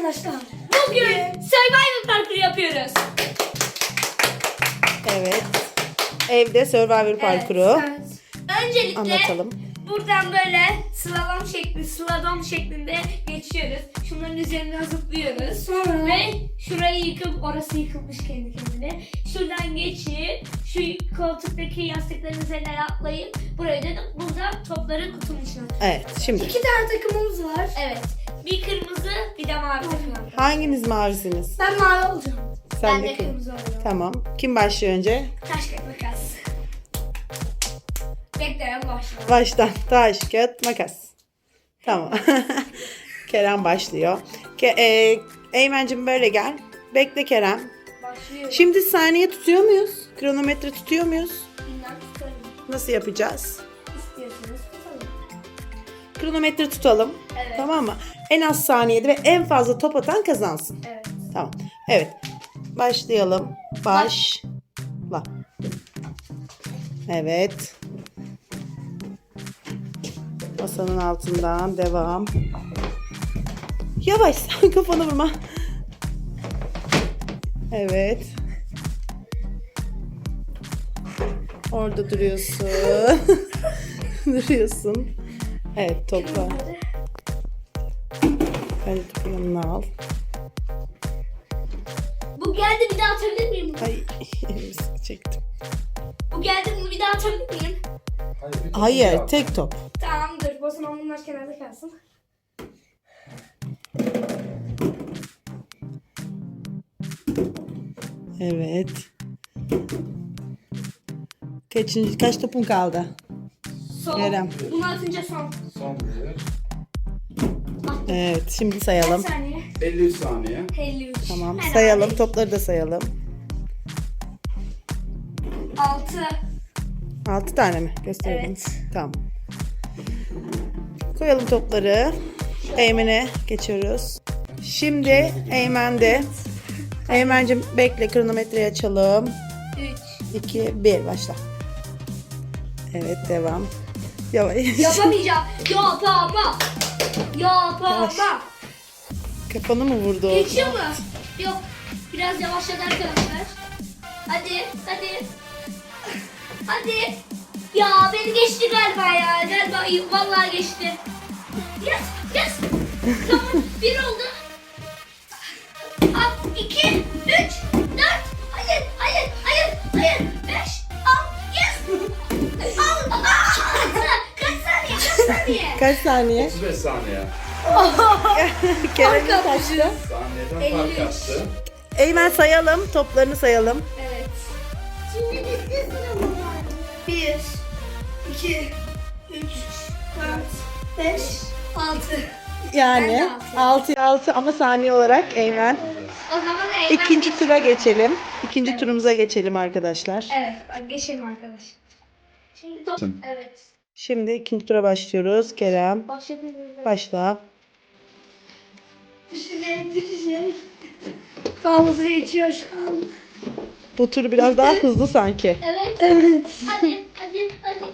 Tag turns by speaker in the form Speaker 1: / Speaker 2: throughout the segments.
Speaker 1: arkadaşlar.
Speaker 2: Bugün Survivor parkuru yapıyoruz.
Speaker 3: Evet. Evde Survivor parkuru.
Speaker 2: Evet. Öncelikle
Speaker 3: Anlatalım.
Speaker 2: buradan böyle slalom şeklinde geçiyoruz. Şunların üzerinden zıplıyoruz.
Speaker 1: Sonra-
Speaker 2: Ve şurayı yıkıp, orası yıkılmış kendi kendine. Şuradan geçip şu koltuktaki yastıkların üzerine atlayıp buraya da burada topları kutunun içine atıyoruz.
Speaker 3: Evet. Şimdi
Speaker 1: 2 tane takımımız var.
Speaker 2: Evet. Bir kırmızı, bir de mavi takım var.
Speaker 3: hanginiz mavisiniz?
Speaker 1: Ben mavi olacağım.
Speaker 3: Sen
Speaker 2: Ben
Speaker 3: de
Speaker 2: de kırmızı oluyorum.
Speaker 3: Tamam. Kim başlıyor önce?
Speaker 2: Taş kağıt makas. Bekleyen başlıyor.
Speaker 3: Baştan taş, kağıt, makas. Tamam. Kerem başlıyor. Eymen'cim böyle gel. Bekle Kerem.
Speaker 2: Başlıyor.
Speaker 3: Şimdi saniye tutuyor muyuz? Kronometre tutuyor muyuz?
Speaker 2: Bilmem tutarım.
Speaker 3: Nasıl yapacağız?
Speaker 2: İstiyorsanız tutalım.
Speaker 3: Kronometre tutalım.
Speaker 2: Evet.
Speaker 3: Tamam mı? En az saniyede ve en fazla top atan kazansın.
Speaker 2: Evet.
Speaker 3: Tamam. Evet. Başlayalım. Başla. Evet. Masanın altından devam. Yavaş, kafanı vurma. Evet. Orada duruyorsun. Duruyorsun. Evet, topla. Önce topu yanına al.
Speaker 2: Bu geldi, bir daha atabilir miyim?
Speaker 3: Ay, elimi çektim.
Speaker 2: Bu geldi, bunu bir daha atabilir miyim?
Speaker 3: Hayır, tek top.
Speaker 2: Tamamdır. O zaman bunlar kenarda kalsın.
Speaker 3: Evet. Kaç topun kaldı?
Speaker 2: Son.
Speaker 3: Kerem.
Speaker 2: Bunu atınca son.
Speaker 4: Son bir.
Speaker 3: Evet, şimdi sayalım.
Speaker 2: Kaç saniye?
Speaker 4: 53 saniye.
Speaker 2: 53.
Speaker 3: Tamam,
Speaker 2: Herhalde.
Speaker 3: sayalım. Topları da sayalım.
Speaker 2: 6.
Speaker 3: 6 tane mi? Gösterelim.
Speaker 2: Evet.
Speaker 3: Tamam. Koyalım topları. Eymen'e geçiyoruz. Şimdi Eymen'de. Eymen'cim bekle, kronometreyi açalım.
Speaker 2: 3.
Speaker 3: 2, 1, başla. Evet, devam. Yavaş.
Speaker 2: Yapamayacağım. Yapamam. Yapamam.
Speaker 3: Kafanı mı vurdu?
Speaker 2: Geçiyor mu? Yok. Biraz yavaşladı arkadaşlar. Hadi. Hadi. Hadi. Ya beni geçti galiba ya. Galiba vallahi geçti. Yes. Yes. Tamam. 1 oldu. 2, 3, 4. Hayır. Hayır. Hayır. Hayır. 5. Al. Yes. Al. Kaç saniye? Kaç saniye?
Speaker 3: Kaç saniye?
Speaker 4: 35 saniye.
Speaker 3: Kerem'in kaçtı?
Speaker 4: Saniyeden fark
Speaker 2: 53.
Speaker 4: yaptı.
Speaker 3: Eymen sayalım. Toplarını sayalım.
Speaker 2: Evet.
Speaker 1: Şimdi bitti sınavım var. 1, 2, 3, 4, 5, 6.
Speaker 3: Yani
Speaker 2: Ben de
Speaker 3: 6'ya 6 ama saniye olarak Eymen.
Speaker 2: O zaman Eymen.
Speaker 3: İkinci tura geçelim. İkinci turumuza geçelim arkadaşlar.
Speaker 2: Evet. Bak geçelim arkadaş. Şimdi top. Evet.
Speaker 3: Şimdi ikinci tura başlıyoruz. Kerem
Speaker 2: Başlayabiliriz.
Speaker 3: başla.
Speaker 1: Düşecek. Fazla geçiyor şu an.
Speaker 3: Bu tur biraz daha hızlı sanki.
Speaker 2: Evet.
Speaker 1: Evet.
Speaker 2: Hadi. Hadi.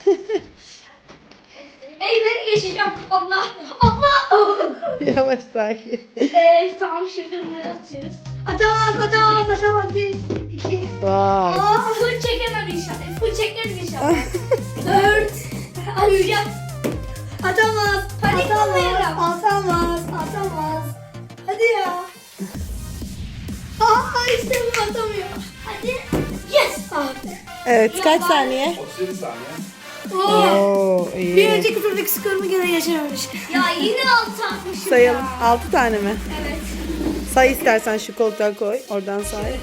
Speaker 2: Eymen'i geçeceğim. Allah. Allah.
Speaker 3: Yavaş sakin.
Speaker 2: Tamam şimdi bunları atıyoruz.
Speaker 1: Atamaz. 1, 2,
Speaker 3: Vay.
Speaker 2: Full çekemem inşallah. Full çekeriz inşallah.
Speaker 1: 4.
Speaker 2: Atacağım.
Speaker 1: Atamaz.
Speaker 2: Panik olmayalım.
Speaker 1: Atamaz. Hadi ya. İşte bu atamıyor.
Speaker 2: Hadi. Yes.
Speaker 3: Evet, kaç saniye?
Speaker 4: 37 saniye.
Speaker 3: Oo, iyi.
Speaker 1: Bir önceki turdaki skorumu gene geçememiş.
Speaker 2: Ya yine altı atmışım
Speaker 3: Sayalım.
Speaker 2: ya.
Speaker 3: 6 tane mi?
Speaker 2: Evet.
Speaker 3: Say istersen, şu koltuğa koy. Oradan say.
Speaker 2: Şöyle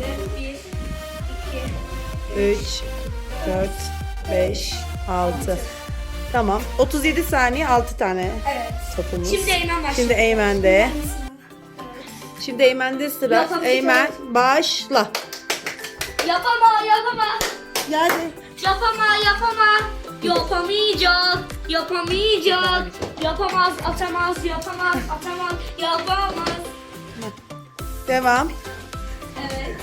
Speaker 2: 1, 2,
Speaker 3: 3, 4, 5, 6. Tamam. 37 saniye 6 tane
Speaker 2: evet.
Speaker 3: topumuz.
Speaker 2: Şimdi Eymen başlıyor.
Speaker 3: Şimdi Eymen'de. Şimdi Eymen'de sıra.
Speaker 2: Yapamayacağım.
Speaker 3: Eymen başla.
Speaker 2: Yapama.
Speaker 3: Yani
Speaker 2: Yapama. Yapamayacak. Yapamaz, atamaz. Yapamaz.
Speaker 3: devam.
Speaker 2: Evet.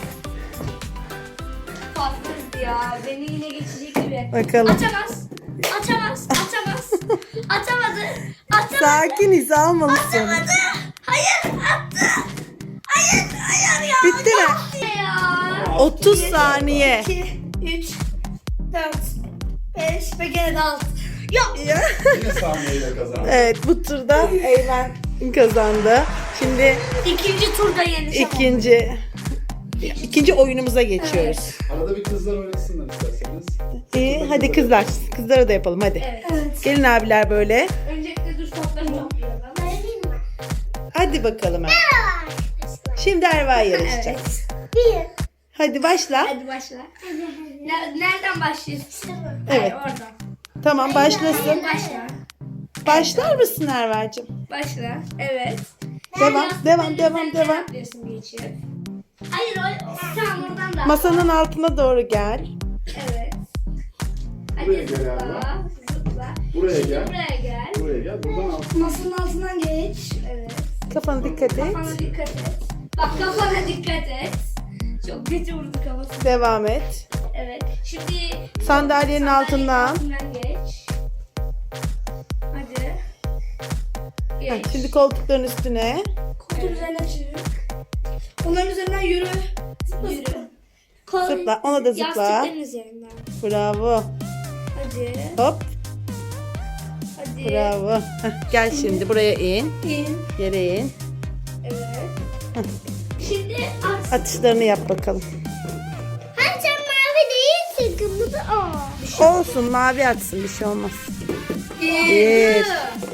Speaker 2: Fazla ya. Beni yine geçecek gibi.
Speaker 3: Bakalım.
Speaker 2: Açamaz. Atamadı.
Speaker 3: Sakin, hiza almalısın.
Speaker 2: Hayır attı. Hayır ya.
Speaker 3: Bitti mi?
Speaker 2: Ya.
Speaker 3: 30 saniye.
Speaker 1: 2, 3, 4, 5 ve gene de 6.
Speaker 3: Ya.
Speaker 4: Yine saniyeyle kazandı.
Speaker 3: Evet, bu turda Eymen kazandı. Şimdi
Speaker 2: İkinci turda yeneceğim.
Speaker 3: ikinci oyunumuza geçiyoruz.
Speaker 4: Arada bir kızlar oynasınlar isterseniz.
Speaker 3: İyi, hadi kızlar. Kızlara da yapalım hadi.
Speaker 2: Evet.
Speaker 3: Gelin abiler böyle.
Speaker 2: Öncelikle düz topları toplayalım.
Speaker 3: Hadi bakalım. Şimdi Erva yarışacak. Hadi başla.
Speaker 2: Hadi başla. Nereden başlıyorsun?
Speaker 3: Evet.
Speaker 2: Hayır, oradan.
Speaker 3: Tamam başlasın.
Speaker 2: Başla.
Speaker 3: Başlar mısın Erva'cığım?
Speaker 2: Başla. Evet.
Speaker 3: Devam, devam,
Speaker 2: Sen
Speaker 3: devam, devam.
Speaker 2: atlıyorsun geçip. Hayır sen oradan da.
Speaker 3: Masanın altına doğru gel.
Speaker 2: Evet. Hadi
Speaker 4: Buraya gel
Speaker 2: zıpla.
Speaker 4: Erva.
Speaker 2: Zıpla.
Speaker 4: Buraya
Speaker 2: Şimdi
Speaker 4: gel.
Speaker 2: buraya gel.
Speaker 4: Buraya gel. Buradan al.
Speaker 1: Masanın altından geç.
Speaker 2: Evet.
Speaker 3: Kafana dikkat et.
Speaker 2: Kafana dikkat et. Bak kafana dikkat et. Çok kötü vurdu kafasına.
Speaker 3: Devam et.
Speaker 2: Evet. Şimdi
Speaker 3: Sandalyenin altından.
Speaker 2: altından geç. Hadi.
Speaker 3: Heh,
Speaker 2: Geç.
Speaker 3: şimdi koltukların üstüne.
Speaker 1: Koltuğun üzerine çık. Onların üzerinden yürü.
Speaker 2: Yürü.
Speaker 3: Zıpla. Ona da zıpla.
Speaker 2: Yastıkların üzerinden.
Speaker 3: Bravo.
Speaker 2: Hadi.
Speaker 3: Hop.
Speaker 2: Hadi.
Speaker 3: Bravo. Heh, gel şimdi buraya in.
Speaker 1: İn.
Speaker 3: Yere in.
Speaker 2: Evet. Şimdi at.
Speaker 3: Atışlarını yap bakalım.
Speaker 2: Hani sen mavi değilsin, kırmızı o.
Speaker 3: Olsun, mavi atsın, bir şey olmaz. Bir.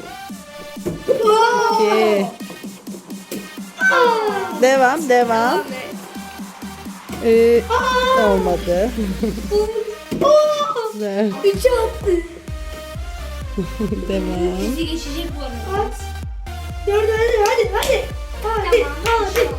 Speaker 3: İki. Devam, devam. Olmadı. Güzel.
Speaker 1: 3 attı.
Speaker 3: Devam.
Speaker 2: Bizi geçecek bu arada.
Speaker 1: At. 4 hadi. Hadi.
Speaker 2: Tamam.
Speaker 1: Hadi.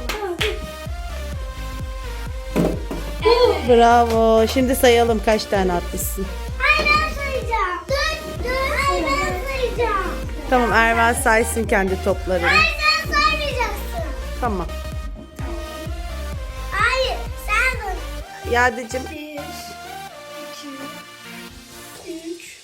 Speaker 2: Evet.
Speaker 3: Bravo. Şimdi sayalım kaç tane atmışsın.
Speaker 2: Ay ben sayacağım. Dur. Ay ben sayacağım.
Speaker 3: Tamam, Erva saysın kendi toplarını.
Speaker 2: Sen saymayacaksın.
Speaker 3: Tamam.
Speaker 2: Hayır sen dur.
Speaker 3: Yadicim.
Speaker 1: 1, 2, 3.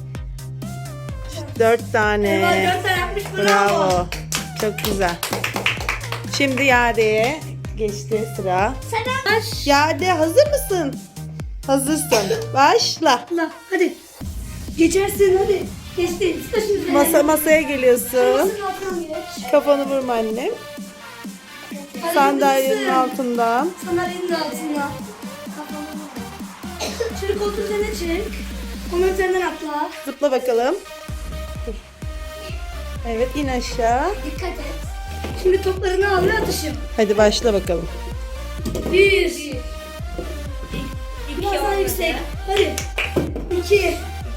Speaker 3: 4 tane.
Speaker 1: 4 tane yapmış. Bravo.
Speaker 3: Bravo. Çok güzel. Şimdi Yade'ye geçti sıra.
Speaker 2: Sen
Speaker 3: Yade hazır mısın? Hazırsın. Başla.
Speaker 1: Allah hadi. Geçersin hadi. Geçti. Taşın üzerine.
Speaker 3: Masaya geliyorsun.
Speaker 1: Masanın altından geç.
Speaker 3: Kafanı vurma annem.
Speaker 1: Hadi
Speaker 3: Sandalyenin
Speaker 1: kızım.
Speaker 3: altından.
Speaker 1: Sandalyenin altından. Kafanı vur. Şimdi koltuğun üzerine çık. Onun üzerinden atla.
Speaker 3: Zıpla bakalım. Dur. Evet, in aşağı.
Speaker 2: dikkat et.
Speaker 1: Şimdi toplarını al ve atışım.
Speaker 3: Hadi başla bakalım.
Speaker 1: 1. Biraz daha yüksek. Hadi. 2.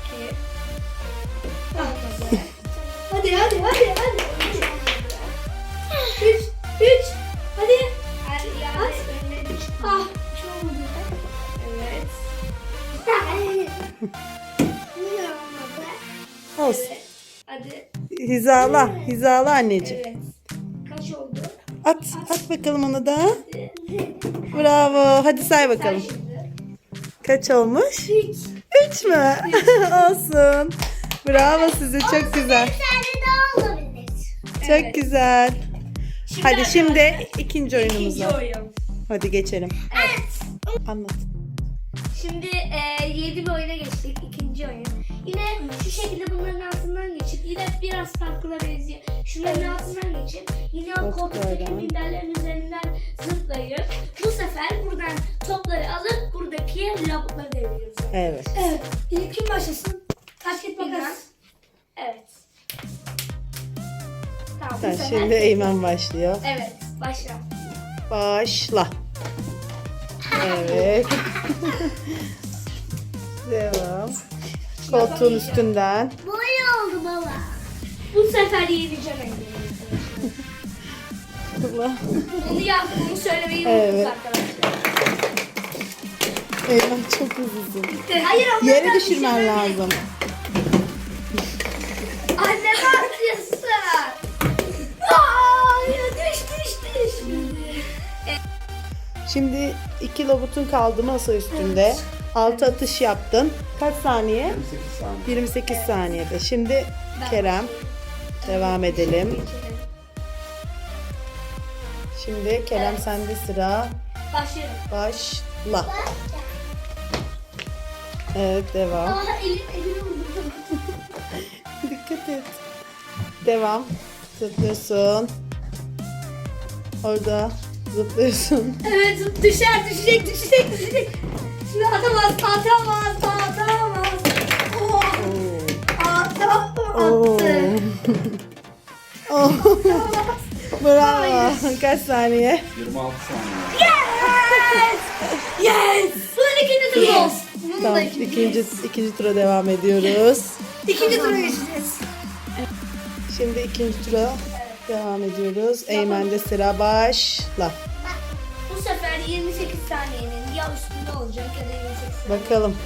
Speaker 1: Hadi. 3. Hadi.
Speaker 2: At.
Speaker 1: Ah. Çok oldu.
Speaker 2: Evet.
Speaker 3: Olsun.
Speaker 2: Hadi.
Speaker 3: Hizala anneciğim.
Speaker 2: Evet. Kaç oldu?
Speaker 3: At bakalım onu da. Bravo. Hadi say bakalım.
Speaker 2: Şimdi.
Speaker 3: Kaç olmuş? 3 mü? Olsun. Bravo size, çok güzel.
Speaker 2: tane daha olabilir.
Speaker 3: Çok güzel. Hadi şimdi
Speaker 2: arkadaşlar,
Speaker 3: ikinci oyunumuza.
Speaker 2: İkinci oyun.
Speaker 3: Hadi geçelim.
Speaker 2: Evet.
Speaker 3: Anlat.
Speaker 2: Şimdi yeni bir oyuna geçtik. İkinci oyun. Yine şu şekilde bunların altından geçip yine biraz farklılara benziyor. Şunların altından geçip yine o koltuktaki minderlerin üzerinden zıplayıp bu sefer buradan topları alıp buradaki lavukları deviriyoruz.
Speaker 3: Evet.
Speaker 1: Evet. İlk kim başlasın? Taş git makas.
Speaker 2: Evet. Tamam. bu
Speaker 3: Sen
Speaker 2: sefer-
Speaker 3: şimdi Eymen başlıyor.
Speaker 2: Evet. Başla.
Speaker 3: Başla. Evet. Devam. Koltuğun üstünden.
Speaker 2: Böyle oldu baba. Bu sefer yeneceğim
Speaker 3: Allah.
Speaker 2: Onu yaptığımı söylemeyi
Speaker 3: Evet.
Speaker 2: unuttuk arkadaşlar.
Speaker 3: Eymen çok hızlısın.
Speaker 2: Hayır ama
Speaker 3: Yere
Speaker 2: ben
Speaker 3: düşürmen
Speaker 2: düşürmedim.
Speaker 3: lazım.
Speaker 2: Anne ne yapıyorsun? Aa, ya düş.
Speaker 3: Şimdi 2 robotun kaldı masa üstünde. 6 atış yaptın. Kaç saniye?
Speaker 4: 28 saniye.
Speaker 3: 28 saniyede. Şimdi Kerem. Devam edelim. Şimdi Kerem sende sıra.
Speaker 2: Başlıyorum.
Speaker 3: Başla. Evet devam.
Speaker 2: Aa elim vurdu.
Speaker 3: Dikkat et. Devam. Zıplıyorsun. Orada zıplıyorsun.
Speaker 1: Evet düşecek. Şimdi atamaz. Oh,
Speaker 3: Oo.
Speaker 1: attı.
Speaker 3: Oo. Bravo. Kaç saniye?
Speaker 4: 26 saniye.
Speaker 1: Yes.
Speaker 2: Bunun ikinci turu olsun.
Speaker 1: Bunun
Speaker 3: Tamam.
Speaker 1: da
Speaker 3: İkinci tura devam ediyoruz.
Speaker 1: İkinci tura geçeceğiz.
Speaker 3: Şimdi ikinci tura devam ediyoruz. Eymen'de sıra başla.
Speaker 2: Bu sefer 28 saniyenin ya üstünde olacak ya da 28 saniye.
Speaker 3: Bakalım.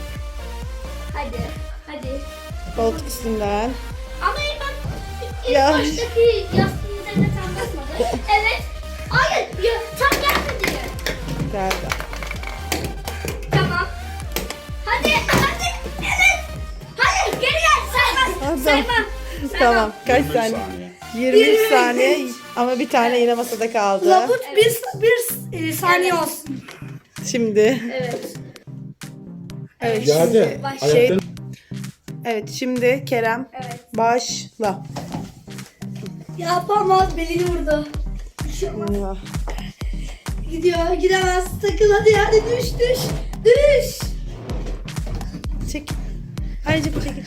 Speaker 2: Hadi.
Speaker 3: Koltuk üstünden.
Speaker 2: Ama bak ilk
Speaker 3: Ya.
Speaker 2: baştaki yastığın üzerine tam basmadı. Evet. Hayır. Ya, tam gelmedi.
Speaker 3: Geldi.
Speaker 2: Tamam. Hadi. Evet. Hayır geri gel.
Speaker 3: Tamam.
Speaker 2: Saymam.
Speaker 3: Tamam. Kaç
Speaker 4: 23
Speaker 3: saniye?
Speaker 4: saniye.
Speaker 3: 23 saniye ama bir tane yine masada kaldı.
Speaker 1: Labut bir saniye olsun.
Speaker 3: Şimdi.
Speaker 2: Evet.
Speaker 3: Evet.
Speaker 4: Geldi.
Speaker 2: Başla.
Speaker 3: Şey, evet şimdi Kerem
Speaker 2: Evet.
Speaker 3: başla.
Speaker 1: Yapamaz, belini vurdu.
Speaker 3: Ya.
Speaker 1: Gidiyor, gidemez. Takıl hadi düş.
Speaker 3: Çek. Anneciğim çekil.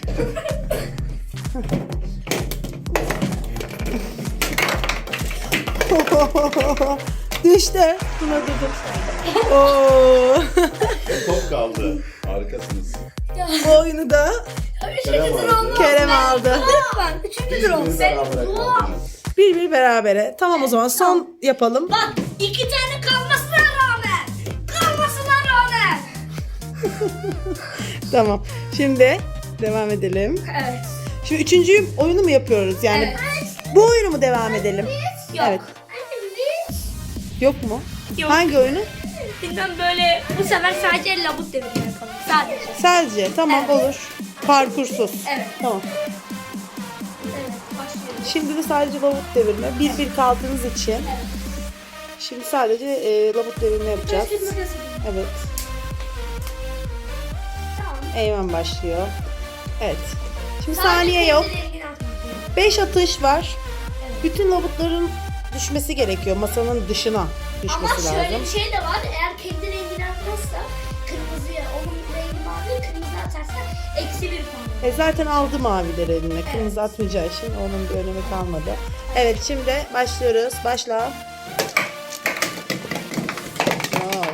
Speaker 3: Düştü. Buna dedim. Oo.
Speaker 4: Top kaldı. Harikasınız.
Speaker 3: Bu oyunu da
Speaker 4: Kerem aldı.
Speaker 3: Kerem aldı.
Speaker 1: Ben üçüncü
Speaker 4: Biz
Speaker 1: tur olsun.
Speaker 4: bir beraber kaldınız.
Speaker 3: Bir berabere. Tamam o zaman son yapalım.
Speaker 2: Bak 2 tane kalmasına rağmen.
Speaker 3: Tamam. Şimdi devam edelim.
Speaker 2: Evet.
Speaker 3: Şimdi üçüncü oyunu mu yapıyoruz? Yani bu oyunu mu devam edelim?
Speaker 2: Yok.
Speaker 3: Evet. Yok mu?
Speaker 2: Yok.
Speaker 3: Hangi oyunu?
Speaker 2: Bilmem böyle bu sefer sadece labut devirme yapalım. Sadece.
Speaker 3: Sadece. Tamam
Speaker 2: Evet.
Speaker 3: olur. Parkursuz.
Speaker 2: Evet.
Speaker 3: Tamam.
Speaker 2: Evet. Başlıyoruz.
Speaker 3: Şimdi de sadece labut devirme. Bir kaldığınız için. Şimdi sadece labut devirme yapacağız. Evet.
Speaker 2: Tamam.
Speaker 3: Eymen başlıyor. Evet. Şimdi saniye yok. 5 atış var. Bütün labutların düşmesi gerekiyor. Masanın dışına
Speaker 2: Ama
Speaker 3: düşmesi
Speaker 2: şöyle
Speaker 3: lazım.
Speaker 2: bir şey de var. Eğer kendi rengini atmazsa kırmızıya, onun rengi mavi, kırmızı atarsa eksi 1 puan.
Speaker 3: Zaten aldı mavileri eline. Kırmızı atmayacağı için onun bir önemi kalmadı. Evet şimdi başlıyoruz. Başla. Wow.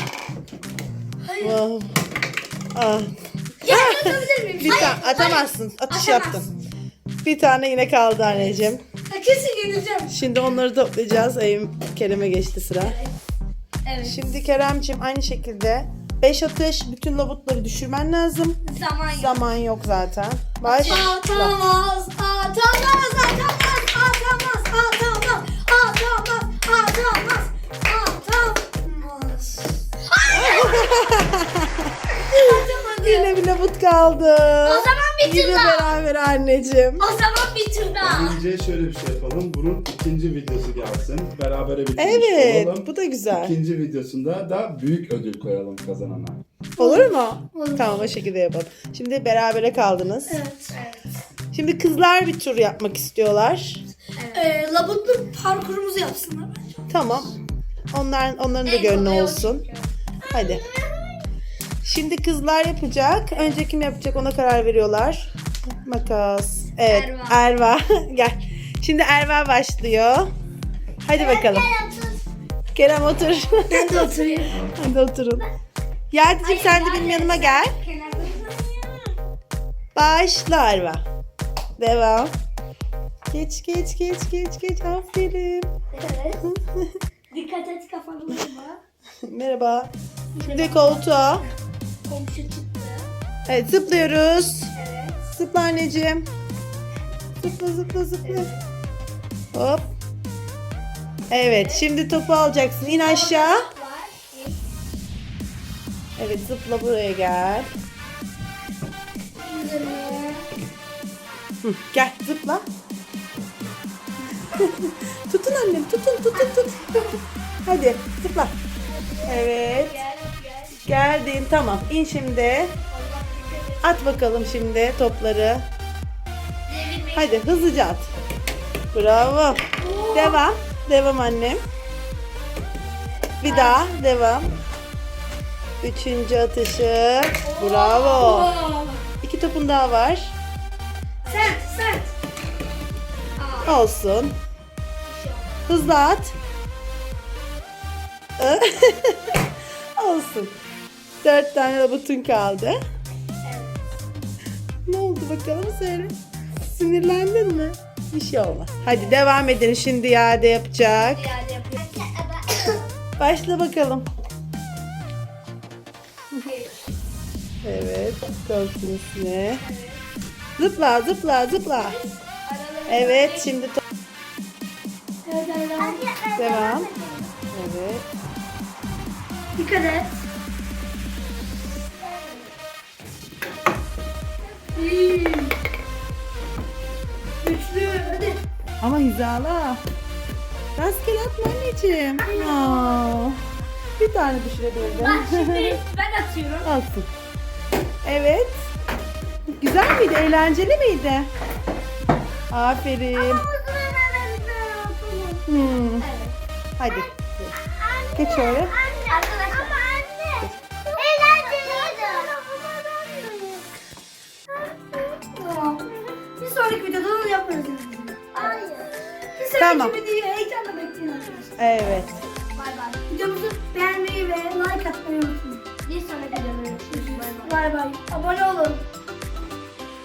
Speaker 3: Wow. Ah.
Speaker 2: Ya atabilir miyim?
Speaker 3: Bir tane atamazsın. Atış yaptın. Bir tane yine kaldı anneciğim.
Speaker 1: Kesin yenileceğim.
Speaker 3: Şimdi onları toplayacağız. Kerem'e geçti sıra.
Speaker 2: Evet.
Speaker 3: Şimdi Kerem'ciğim aynı şekilde 5 atış. Bütün labutları düşürmen lazım.
Speaker 2: Zaman yok.
Speaker 3: Zaman yok zaten. Başla.
Speaker 1: Atamaz.
Speaker 3: Yine bir labut kaldı.
Speaker 2: O zaman bir tur
Speaker 3: Yine
Speaker 2: daha.
Speaker 3: beraber anneciğim.
Speaker 2: O zaman bir tur daha.
Speaker 4: Önce şöyle bir şey yapalım. Bunun ikinci videosu gelsin. Berabere bitirmiş
Speaker 3: Evet,
Speaker 4: olalım.
Speaker 3: bu da güzel.
Speaker 4: İkinci videosunda da büyük ödül koyalım kazanana.
Speaker 3: Olur mu? Tamam o şekilde yapalım. Şimdi berabere kaldınız.
Speaker 1: Evet.
Speaker 3: Şimdi kızlar bir tur yapmak istiyorlar.
Speaker 1: Labutlu parkurumuzu yapsınlar bence.
Speaker 3: Tamam. Onların da
Speaker 2: En
Speaker 3: gönlü
Speaker 2: kolay o
Speaker 3: olsun.
Speaker 2: çünkü.
Speaker 3: Hadi. Şimdi kızlar yapacak. Önce kim yapacak ona karar veriyorlar. Makas. Evet. Erva. Gel. Şimdi Erva başlıyor. Hadi bakalım. Kerem otur.
Speaker 1: Ben de oturayım.
Speaker 3: Hadi oturun. Yardımcım sen de benim yanıma gel. Başla Erva. Devam. Geç. Aferin.
Speaker 2: Evet. Dikkat et kafanı vurma.
Speaker 3: Merhaba. Şimdi koltuğa.
Speaker 2: Komşu çıktı.
Speaker 3: Evet zıplıyoruz.
Speaker 2: Evet.
Speaker 3: Zıpla anneciğim. Zıpla. Hop. Evet şimdi topu alacaksın. İn aşağı.
Speaker 2: Var.
Speaker 3: Evet zıpla buraya gel. Hı, gel zıpla. Tutun annem, tutun. Hadi zıpla. Evet.
Speaker 2: Gel gel.
Speaker 3: Geldin, tamam. İn şimdi.
Speaker 2: Allah dikkat et.
Speaker 3: At bakalım şimdi topları.
Speaker 2: Devirmeyin.
Speaker 3: Hadi hızlıca at. Bravo. Devam. Devam annem. Bir daha devam. Üçüncü atışı. Bravo. İki topun daha var.
Speaker 1: Sert.
Speaker 3: Olsun. Hızlı at. Olsun. 4 tane robotun kaldı. Ne oldu bakalım söyle. Sinirlendin mi? Bir şey olmaz. Hadi devam edin. Şimdi iade yapacak.
Speaker 2: İade yapıyor.
Speaker 3: Başla bakalım. Evet. Koltuğun üstüne. Zıpla. Evet. Şimdi
Speaker 1: Evet, devam.
Speaker 3: devam. Evet.
Speaker 1: Dikkat et. İyi. Güçlü. Hadi.
Speaker 3: Ama hizala. Rastgele atma anneciğim. Aa, bir tane düşürebildim.
Speaker 2: Bak şimdi ben atıyorum.
Speaker 3: Olsun. Evet. Güzel miydi? Eğlenceli miydi? Aferin. Hmm.
Speaker 2: Evet.
Speaker 3: Hadi. Geç oraya.
Speaker 2: Arkadaşlar.
Speaker 1: Tamam. Bir sonraki videoda onu yaparız. Bir sonraki
Speaker 3: Tamam.
Speaker 1: videoyu heyecanla bekleyin arkadaşlar.
Speaker 3: Evet.
Speaker 2: Bay bay.
Speaker 1: Videomuzu beğenmeyi ve like atmayı unutmayın.
Speaker 2: Bir sonraki videoda görüşürüz. Bay bay.
Speaker 1: Bay bay. Abone olun.